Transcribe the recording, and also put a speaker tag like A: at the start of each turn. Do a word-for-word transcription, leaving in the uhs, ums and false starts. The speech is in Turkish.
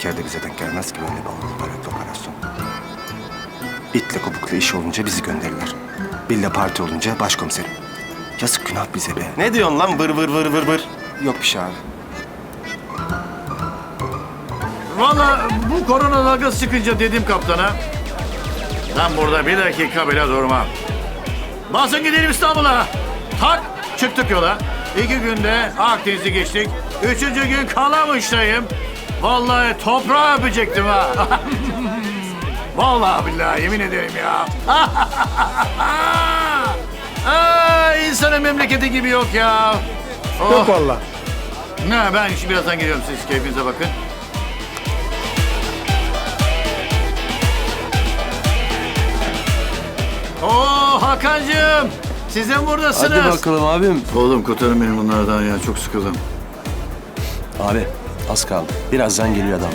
A: asker de bize denk gelmez ki böyle bir mübarek operasyon. İtle kopuklu iş olunca bizi gönderirler. Billa parti olunca başkomiserim. Yazık günah bize be.
B: Ne diyorsun lan vır vır vır vır vır?
A: Yok bir şey abi.
C: Vallahi bu korona dalgası çıkınca dedim kaptana. Ben burada bir dakika bile durmam. Basın gidelim İstanbul'a. Tak çıktık yola. İki günde Akdeniz'i geçtik. Üçüncü gün Kalamış'tayım. Vallahi toprağı öpecektim ha. Vallahi billahi yemin ederim ya. Aa, insanın memleketi gibi yok ya. Oh.
D: Yok vallahi.
C: Ne, ben şimdi birazdan geliyorum, siz keyfinize bakın. Oo Hakan'cığım, siz de mi buradasınız?
E: Hadi bakalım abim.
C: Oğlum kurtarın beni bunlardan ya, çok sıkıldım.
E: Abi az kaldı. Birazdan geliyor adamlar.